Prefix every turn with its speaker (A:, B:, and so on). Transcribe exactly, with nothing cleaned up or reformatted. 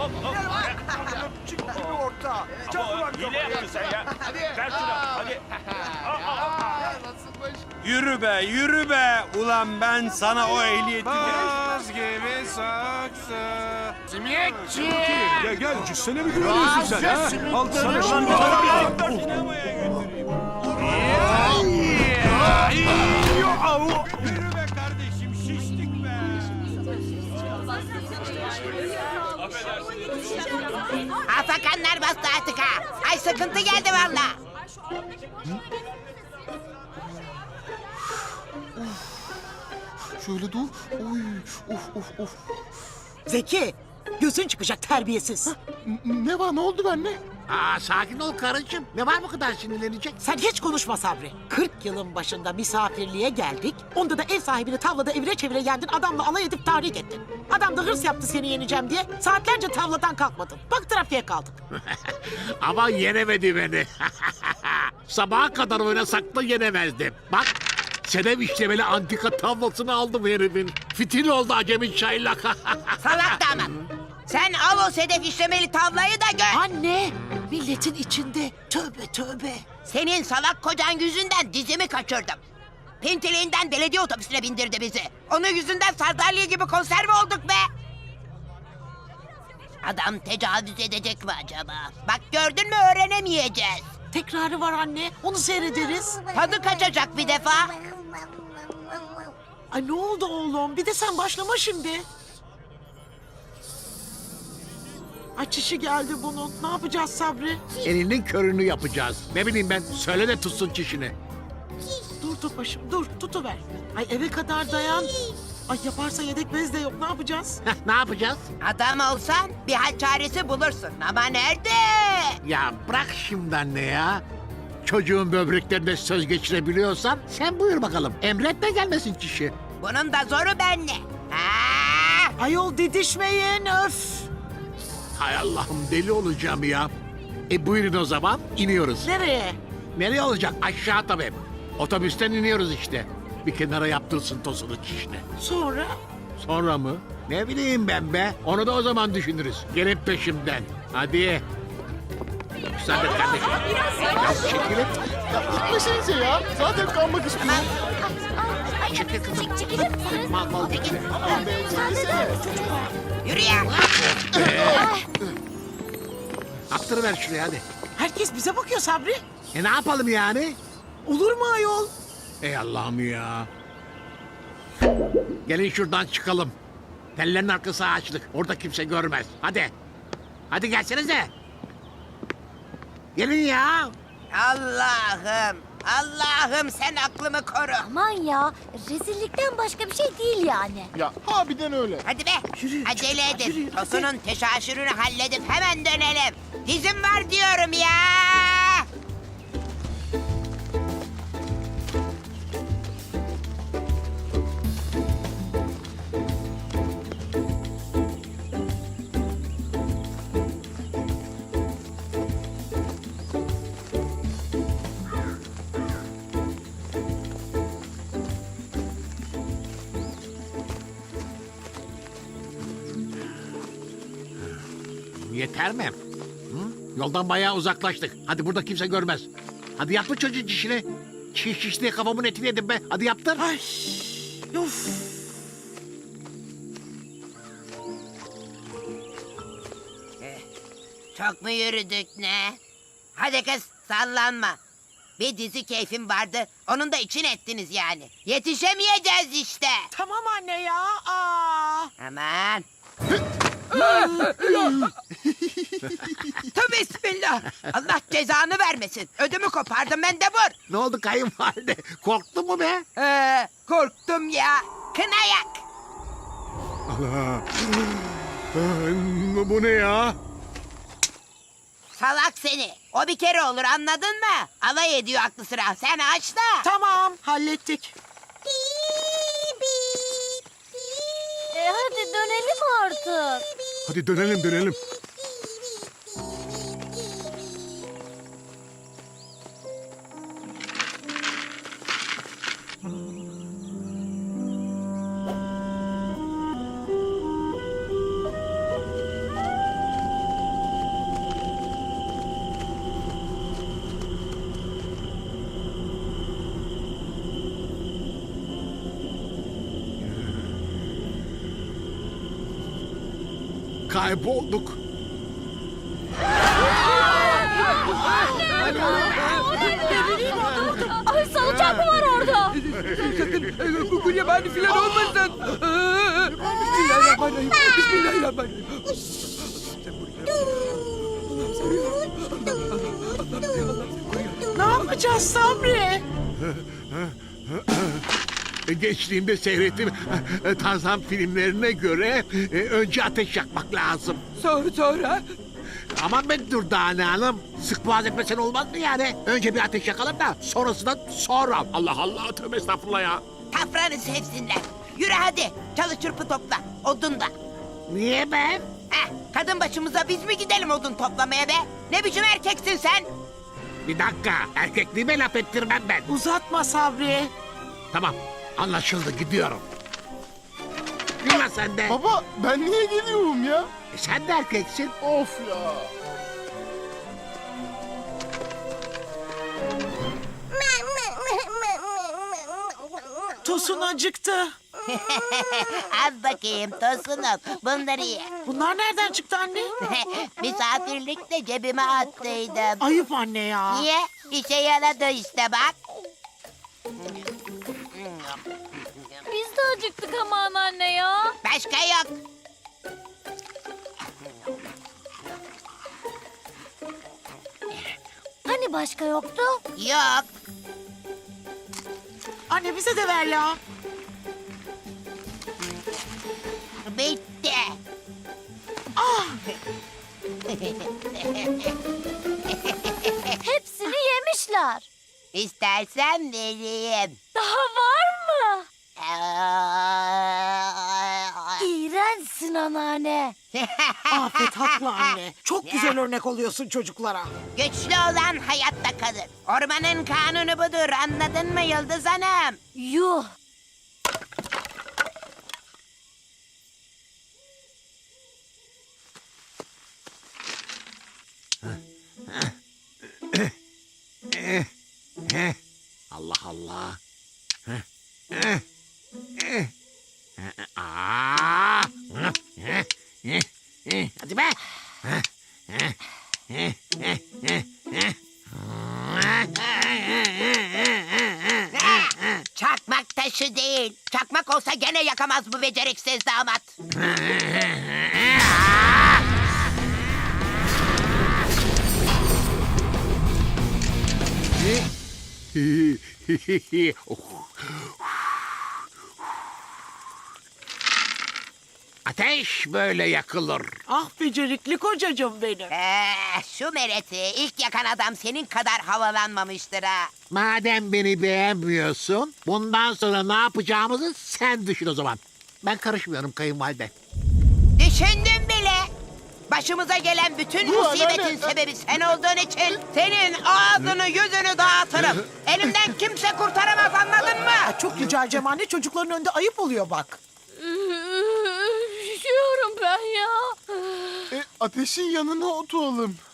A: hop hop.
B: Çık gibi orta. Çak ulan
A: Hile yaptın sen ya.
C: Hadi.
A: Ver şunu hadi.
C: Aa, nasılmış?
D: Yürü be, yürü be. Ulan ben sana o ehliyeti...
E: Baz gibi saksı.
C: Simitçi.
E: Gel gel, cüssene mi güveniyorsun sen ha? Al sana şunu.
D: Sinemaya götüreyim. Yürü be kardeşim, şiştik be.
F: Afakanlar bastı artık ha. Ay sıkıntı geldi valla.
G: Şöyle dur. Oy, of of of.
H: Zeki, gözün çıkacak terbiyesiz.
G: N- Ne var, ne oldu benimle?
C: Aa, sakin ol karıcığım. Ne var bu kadar sinirlenecek?
H: Sen hiç konuşma Sabri. kırk yılın başında misafirliğe geldik. Onda da ev sahibini tavlada evire çevire yendin. Adamla alay edip tahrik ettin. Adam da hırs yaptı seni yeneceğim diye. Saatlerce tavladan kalkmadın. Bak trafiğe kaldık.
C: Ama yenemedi beni. Sabaha kadar oynasak da yenemezdim. Bak, Sedef işlemeli antika tablosunu aldım herifin. Fitil oldu acemi çaylak.
F: Salak damat. Sen al o sedef işlemeli tavlayı da gör.
H: Anne, milletin içinde. Tövbe tövbe.
F: Senin salak kocan yüzünden dizimi kaçırdım. Pintiliğinden belediye otobüsüne bindirdi bizi. Onun yüzünden sardalya gibi konserve olduk be. Adam tecavüz edecek mi acaba? Bak gördün mü öğrenemeyeceğiz.
H: Tekrarı var anne. Onu seyrederiz.
F: Tadı kaçacak bir defa.
H: Ay ne oldu oğlum? Bir de sen başlama şimdi. Ay çişi geldi bunun. Ne yapacağız Sabri?
C: Elinin körünü yapacağız. Ne bileyim ben, söyle de tutsun çişini.
H: Dur dur başım dur tutuver. Ay eve kadar dayan. Ay yaparsa yedek bez de yok ne yapacağız?
C: Heh, ne yapacağız?
F: Adam olsan bir hal çaresi bulursun ama nerede?
C: Ya bırak şimdi anne ya. Çocuğun böbreklerine söz geçirebiliyorsan sen buyur bakalım. Emretme gelmesin çişi.
F: Bunun da zoru bende. Ha!
H: Ayol didişmeyin öf.
C: Hay Allah'ım, deli olacağım ya. E buyurun o zaman, iniyoruz.
H: Nereye?
C: Nereye olacak? Aşağı tabii. Otobüsten iniyoruz işte. Bir kenara yaptırsın tosunu çişini.
H: Sonra?
C: Sonra mı? Ne bileyim ben be. Onu da o zaman düşünürüz. Gelin peşimden. Hadi. Müsaade et kardeşim. Ya çekilin.
G: Gitmesenize ya. Zaten kalmak istiyorum.
C: Çekil kızım. Mal mal geçme.
G: Aman be, çekilsene.
F: Yürü ya.
C: Attırıver şuraya hadi.
H: Herkes bize bakıyor Sabri.
C: E ne yapalım yani?
H: Olur mu ayol?
C: Ey Allah'ım ya. Gelin şuradan çıkalım. Tellerin arkası ağaçlık. Orada kimse görmez. Hadi. Hadi gelsenize. Gelin ya.
F: Allah'ım. Allah'ım sen aklımı koru.
I: Aman ya, rezillikten başka bir şey değil yani.
G: Ya harbiden öyle.
F: Hadi be.
H: Yürü,
F: Acele
H: çocuklar,
F: edin.
H: yürüyün, hadi.
F: Tosunun teşaşürünü halledip hemen dönelim. Dizim var diyorum ya.
C: Yeter mi? Hı? Yoldan bayağı uzaklaştık. Hadi burada kimse görmez. Hadi yaptır çocuğun çişini. Çiş çiş diye kafamın etini yedim be. Hadi yaptır.
H: Ay uf.
F: Çok mu yürüdük ne? Hadi kız sallanma. Bir dizi keyfim vardı. Onun da için ettiniz yani. Yetişemeyeceğiz işte.
H: Tamam anne ya. Aa.
F: Aman. Tövbe bismillah. Allah cezanı vermesin. Ödümü kopardım ben de vur.
C: Ne oldu kayınvalide? Korktun mu be?
F: Ee, korktum ya. Kınayak.
C: Bu ne ya?
F: Salak seni. O bir kere olur anladın mı? Alay ediyor aklı sıra. Sen aç da.
H: Tamam hallettik.
I: E hadi dönelim artık.
E: Hadi dönelim dönelim.
C: kaybolduk.
I: Ay salıncak mı var orada?
B: Sakın Google yabani filan olmasın. Bismillahirrahmanirrahim. Bismillahirrahmanirrahim.
H: Ne yapacağız Sabri?
C: Gençliğimde seyrettiğim e, Tarzan filmlerine göre e, önce ateş yakmak lazım.
B: Sonra sonra.
C: Aman ben dur Dane Hanım. Sık boğaz etmesen olmaz mı yani? Önce bir ateş yakalım da sonrasında sonra. Allah Allah, tövbe estağfurullah ya.
F: Tafranı sevsinler. Yürü hadi. Çalı çırpı topla. Odun da.
C: Niye ben?
F: Heh, kadın başımıza biz mi gidelim odun toplamaya be? Ne biçim erkeksin sen?
C: Bir dakika, erkekliğime laf ettirmem ben.
H: Uzatma Sabri.
C: Tamam, anlaşıldı, gidiyorum. Yürü sen de.
G: Baba ben niye geliyorum ya?
C: E, sen de erkeksin.
G: Of ya.
H: Tosun acıktı.
F: Al bakayım Tosunum. Bunları ye.
H: Bunlar nereden çıktı anne?
F: Misafirlikte cebime attıydım.
H: Ayıp anne ya.
F: Niye? İşe yaradı işte bak.
I: Biz de acıktık ama anneanne ya.
F: Başka yok.
I: Hani başka yoktu?
F: Yok.
H: Anne bize de ver ya.
F: Bitti.
I: Hepsini yemişler.
F: İstersen vereyim.
I: Daha var mı? İğrençsin anneanne.
H: Afet haklı anne. Çok güzel örnek oluyorsun çocuklara.
F: Güçlü olan hayatta kalır. Ormanın kanunu budur. Anladın mı Yıldız Hanım?
I: Yuh.
C: Allah Allah. Heh, eh, eh. Eh, aa. Eh, eh, eh. Hadi be. Eh, eh, eh, eh, eh, eh.
F: Çakmak taşı değil. Çakmak olsa gene yakamaz bu beceriksiz damat.
C: Ateş böyle yakılır.
H: Ah becerikli kocacığım benim.
F: Ee, şu mereti ilk yakan adam senin kadar havalanmamıştır ha.
C: Madem beni beğenmiyorsun, bundan sonra ne yapacağımızı sen düşün o zaman. Ben karışmıyorum kayınvalide.
F: Düşündüm bile. Başımıza gelen bütün
G: Bu
F: musibetin
G: anneanne-
F: sebebi sen olduğun için senin ağzını yüzünü dağıtırım. Elimden kimse kurtaramaz anladın mı?
H: Ay, çok rica edeceğim anne çocukların önünde ayıp oluyor bak.
I: Üşüyorum ben ya.
G: E, ateşin yanına oturalım.